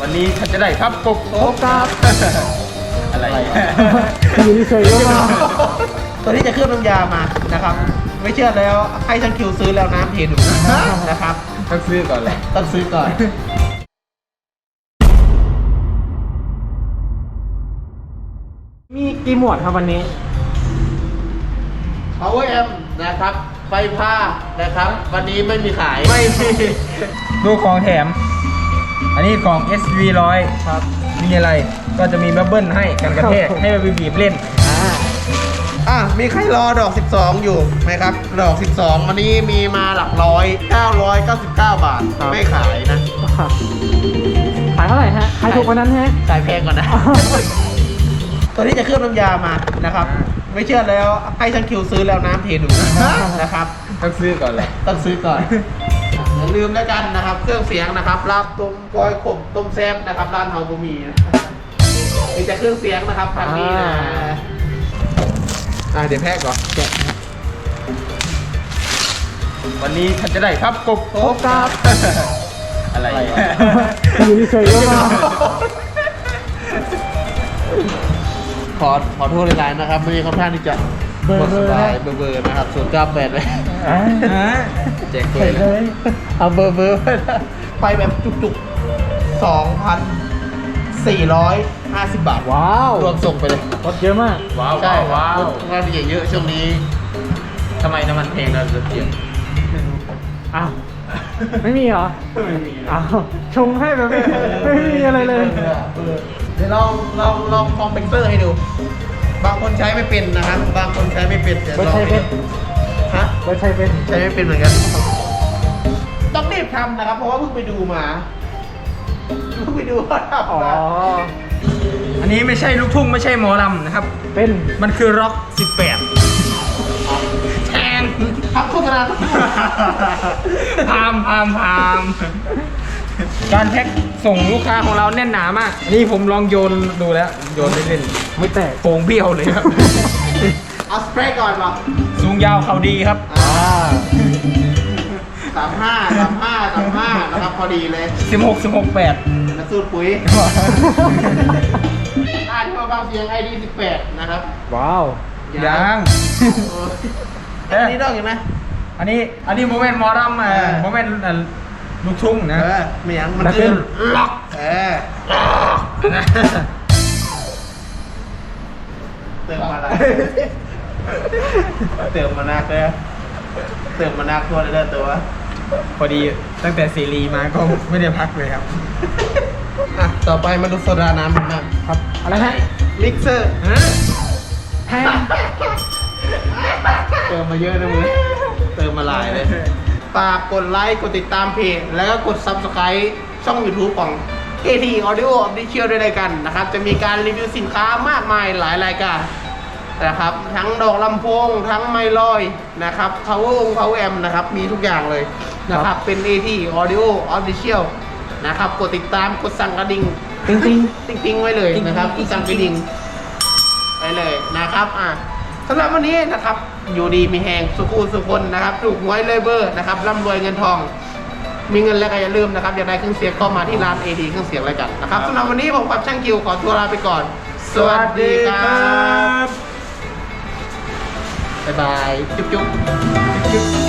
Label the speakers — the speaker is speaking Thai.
Speaker 1: วันนี้ท่านจะได้ครับกบครับ อะไร
Speaker 2: อยู่เฉยๆก็มา
Speaker 3: ตัวนี้จะเคลือบน้ำยามานะครับ ไม่เชื่อแล้วให้ช่างคิวซื้อแล้วน้ำเทดูนะครับ
Speaker 1: ต้องซื้อก่อนแหละ
Speaker 3: ต้องซื้อก่อน
Speaker 2: มีกี่หมวดครับวันนี้
Speaker 3: Power M นะครับ ไฟผ้านะครับ วันนี้ไม่มีขาย
Speaker 1: ไม่มีดูของแถม อันนี้ของ SV100
Speaker 2: ครับ
Speaker 1: มีอะไรก็จะมีบับเบิ้ลให้กันกระแทกให้ไปบีบเล่น
Speaker 3: มีใครรอดอก 12 อยู่ไหมครับ ดอก 12 วันนี้มีมาหลักร้อย 999 บาท
Speaker 2: ครับ
Speaker 3: ไม่ขายนะ
Speaker 2: ขายเท่าไหร่ฮะขายถูกกว่านั้นฮะ
Speaker 3: จ่ายแพงก่อนนะ ตัวนี้จะเคลือบน้ำยามานะครับ ไม่เชื่อแล้วให้ช่างคิวซื้อแล้วน้ำเทดูนะครับ
Speaker 1: ต้องซื้อก่อนแหละ
Speaker 3: ต้องซื้อก่อน อย่าลืมแล้วกันนะครับ เครื่องเสียงนะครับลาบต้มกอยขมต้มแซ่บนะครับร้านเฮาบุมีนะมีแต่เครื่องเสียงนะครับทางนี้นะเดี๋ยวแพะก่อนแกะ
Speaker 1: วันนี้ท่านจะได้ครับกบครับ อะไร
Speaker 2: อยู่เฉยๆก็มา
Speaker 3: ขอโทษหลายๆนะครับไม่ค่อนข้างที่จะ
Speaker 2: เบอร์
Speaker 3: สบายเบอร์นะครับ098เลย
Speaker 1: แจก
Speaker 2: เฉ
Speaker 1: เลย
Speaker 2: ยเลย
Speaker 3: เอาเบอร์ไปแบบจุกๆ 2,450 บาท
Speaker 2: ว้าว
Speaker 3: รวมส่งไปเลย
Speaker 2: รถเยอะมาก
Speaker 1: ว้าว
Speaker 3: ใช่
Speaker 1: ว้าว
Speaker 3: งานเยอะช่วงนี้
Speaker 1: ทำไมน้ำมันเพลงเราจะเปลี่ยน
Speaker 2: อ้าวไม่มีเหรออ้าวชงให้แบบไม่มีอะไรเลย
Speaker 3: เดี๋ยวลองคอมเพรสเซอร์ให้ดู บางคนใช้ไม่เป็นนะครับ บางคนใช้ไม่เป็นเดี๋ยวลอง
Speaker 2: ไม่ใช่เป็น
Speaker 3: ฮะ
Speaker 2: รถใช้เป็น
Speaker 3: ใช้ไม่เป็นเหมือนกัน ต้องรีบทำนะครับ เพราะว่าเพิ่งไปดูมาว่าทำ
Speaker 2: อ๋อ
Speaker 3: มา
Speaker 1: อันนี้ไม่ใช่ลูกทุ่งไม่ใช่หมอลำนะครับ
Speaker 2: เป็น
Speaker 1: มันคือร็อก 18
Speaker 3: แทงทำโฆษณา
Speaker 1: พามการแพ็คส่งลูกค้าของเราแน่นหนามาก นี่ผมลองโยนดูแล้ว โยนเล่น
Speaker 2: ไม่แตก
Speaker 1: ๆโป่งเบี้ยวเลยครับ
Speaker 3: เอาสเปรย์ก่อนป่ะ
Speaker 1: สูงยาวเขาดีครับ
Speaker 3: 35นะครับพอดีเลย
Speaker 1: 16 8
Speaker 3: นะสูตรปุ๋ยที่มาฟังเสียง ID 18นะครับ
Speaker 2: ว้าว
Speaker 1: ยัง
Speaker 3: อันนี้ต้องอยู่ไหม
Speaker 1: อันนี้โมเมนต์หมอลำโมเมนต์ลูกทุ่งนะ
Speaker 3: ไม่ยังมัน
Speaker 2: แล้ว
Speaker 3: คื
Speaker 2: เป็
Speaker 3: อน ล็อกเติมมาอะไรเติมมานักเลยเติมมานักตัวเลยเด้อตัว
Speaker 1: พอดีตั้งแต่ซีรีมาก็ไม่ได้พักเลยครับ
Speaker 3: ต่อไปมาดูโซดาน้ำกันบ้าง
Speaker 2: ครับอะไรฮะ
Speaker 3: มิกเซอร์
Speaker 2: แพง
Speaker 3: เติมมาเยอะนะมึงเติมมาหลายเลยฝากกดไลค์กดติดตามเพจแล้วก็กด Subscribe ช่อง YouTube ของ KT Audio Official ด้วยกันนะครับ จะมีการรีวิวสินค้ามากมายหลายรายการนะครับ ทั้งดอกลำโพงทั้งไมค์ลอยนะครับ Power Amp นะครับมีทุกอย่างเลยนะครับเป็น AT Audio Official นะครับกดติดตามกดสั่งกระดิ่ง
Speaker 2: จริง
Speaker 3: ติ๊งๆไว้เลยนะครับกดสั่งกระดิ่งไว้เลยนะครับสำหรับวันนี้นะครับอยู่ดีมีแหงสุขุสุคนนะครับถูกหวยเลยเบอร์นะครับร่ำรวยเงินทอง มีเงินแล้วก็อย่าลืมนะครับอยากได้เครื่องเสียงก็มาที่ร้าน AD เครื่องเสียงอะไรกันนะครับสำหรับวันนี้ผมกับช่างคิวขอตัวลาไปก่อน สวัสดีครับบ๊ายบายจุ๊บ